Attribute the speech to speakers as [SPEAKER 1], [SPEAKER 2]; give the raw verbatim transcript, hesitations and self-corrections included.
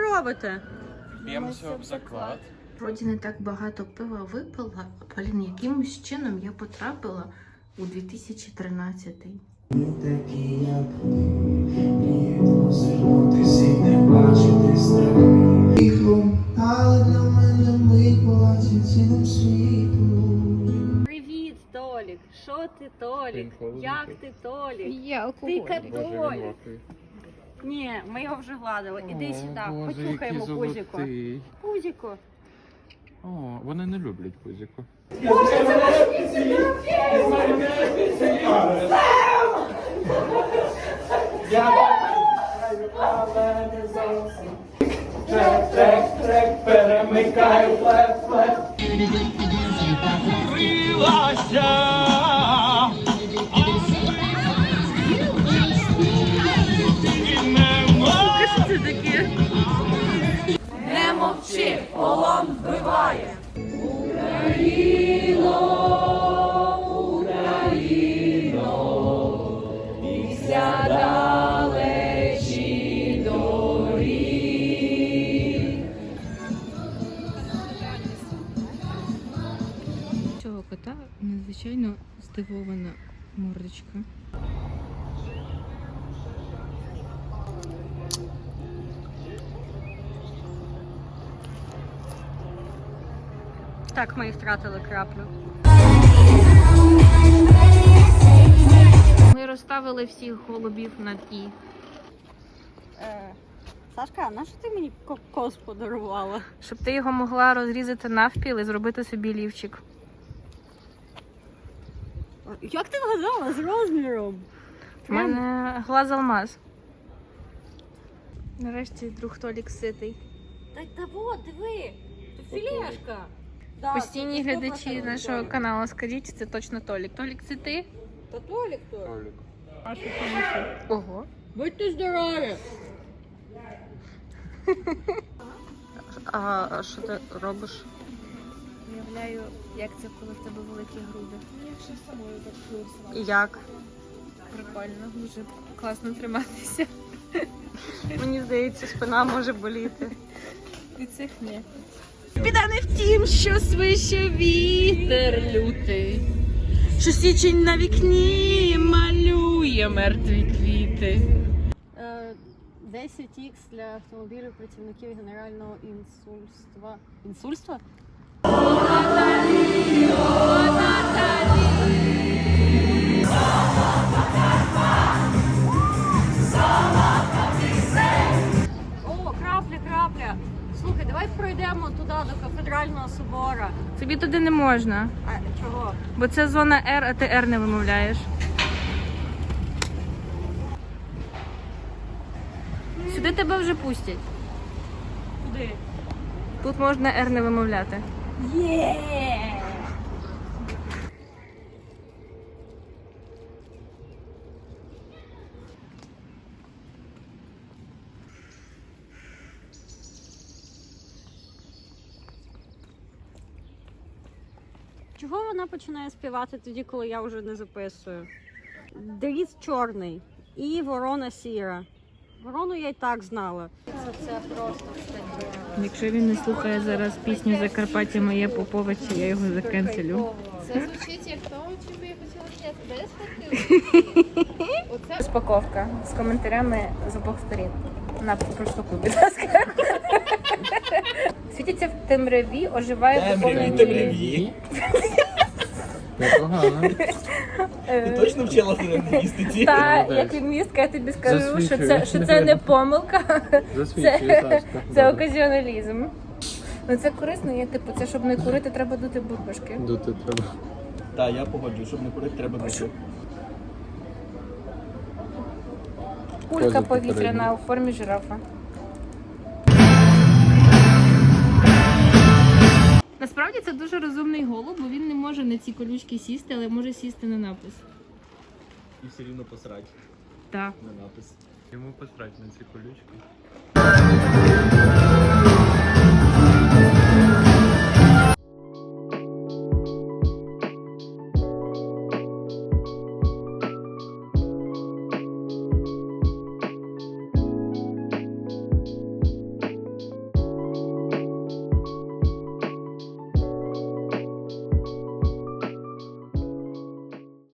[SPEAKER 1] робите?
[SPEAKER 2] Б'ємося об заклад.
[SPEAKER 3] Вроді не так багато пива випила, а, блін, якимось чином я потрапила у дві тисячі тринадцятий.
[SPEAKER 1] Привіт, Толік. Що ти, Толік? Як ти, Толік?
[SPEAKER 4] Я алкоголь.
[SPEAKER 1] Ти католік. Ні, ми його вже гладили. Іди сюди, почухаємо пузіко. Пузіко.
[SPEAKER 2] О, вони не люблять пузіку.
[SPEAKER 5] Трек, трек, трек, перемикаю, флеп, флеп.
[SPEAKER 1] Що це таке?
[SPEAKER 3] Не мовчи, полон вбиває.
[SPEAKER 5] Україно, Україно, після далечі доріг.
[SPEAKER 3] Цього кота надзвичайно здивована мордочка.
[SPEAKER 1] Так, ми і втратили краплю.
[SPEAKER 3] Ми розставили всіх голубів над І.
[SPEAKER 1] Е, Сашка, а на що ти мені кокос подарувала?
[SPEAKER 3] Щоб ти його могла розрізати навпіл і зробити собі лівчик.
[SPEAKER 1] Як ти вгадала з розміром?
[SPEAKER 3] У мене глаз алмаз. Нарешті друг Толік ситий.
[SPEAKER 1] Та, та вот, диви, тут філешка. Да,
[SPEAKER 3] Постійні
[SPEAKER 1] це
[SPEAKER 3] глядачі
[SPEAKER 1] сто процентів
[SPEAKER 3] нашого
[SPEAKER 1] Толік.
[SPEAKER 3] каналу, скажіть, це точно Толік. Толік, це ти?
[SPEAKER 1] Та Толік то.
[SPEAKER 2] Толік.
[SPEAKER 1] А що це?
[SPEAKER 3] Ого.
[SPEAKER 1] Будьте здорові!
[SPEAKER 3] А, а що ти робиш? Уявляю, як це, коли в тебе великі груди.
[SPEAKER 4] Я ще з собою так виросла.
[SPEAKER 3] І як? Прикольно, дуже класно триматися. Мені здається, спина може боліти. Від цих ні. Біда не в тім, що свище вітер лютий, що січень на вікні малює мертві квіти.
[SPEAKER 1] Е, десять ікс для автомобілів працівників генерального інсульства. Інсульства? О, крапля, крапля. Слухай, давай пройдемо туди, до кафедрального собора.
[SPEAKER 3] Тобі туди не можна,
[SPEAKER 1] А чого?
[SPEAKER 3] бо це зона Р, а ти Р не вимовляєш. Сюди тебе вже пустять.
[SPEAKER 1] Куди?
[SPEAKER 3] Тут можна Р не вимовляти.
[SPEAKER 1] Є! Чого вона починає співати тоді, коли я вже не записую? Дріт чорний і ворона сіра. Ворону я й так знала. Це просто таке.
[SPEAKER 3] Якщо він не слухає зараз пісню Закарпаття моє Поповича, я його закенселю.
[SPEAKER 4] Це звучить як то, чим би я хотіла зняти. Де я схватила? Оце
[SPEAKER 3] Розпаковка з коментарями з обох сторін. На проштовхуй, будь ласка. Світиться в темряві, оживає доповнення.
[SPEAKER 5] Темряві.
[SPEAKER 2] Непогано.
[SPEAKER 5] Ти точно вчила в лінгвістиці?
[SPEAKER 3] Та,
[SPEAKER 2] Молодець.
[SPEAKER 3] як лінгвістка, я тобі скажу, що
[SPEAKER 2] Засвідчую.
[SPEAKER 3] це, що це не помилка,
[SPEAKER 2] Засвідчує,
[SPEAKER 3] це,
[SPEAKER 2] Сашка.
[SPEAKER 3] це оказіоналізм. Ну це корисно, є, типу, це щоб не курити, треба дути бульбашки.
[SPEAKER 2] Дути треба.
[SPEAKER 5] Так, я погоджую, щоб не курити, треба дути.
[SPEAKER 3] Кулька
[SPEAKER 2] Поза
[SPEAKER 3] повітряна
[SPEAKER 2] попередня.
[SPEAKER 3] у формі жирафа. Насправді це дуже розумний голуб, бо він не може на ці колючки сісти, але може сісти на напис.
[SPEAKER 5] І все рівно посрать
[SPEAKER 3] Так.
[SPEAKER 5] на напис.
[SPEAKER 2] Йому посрать на ці колючки.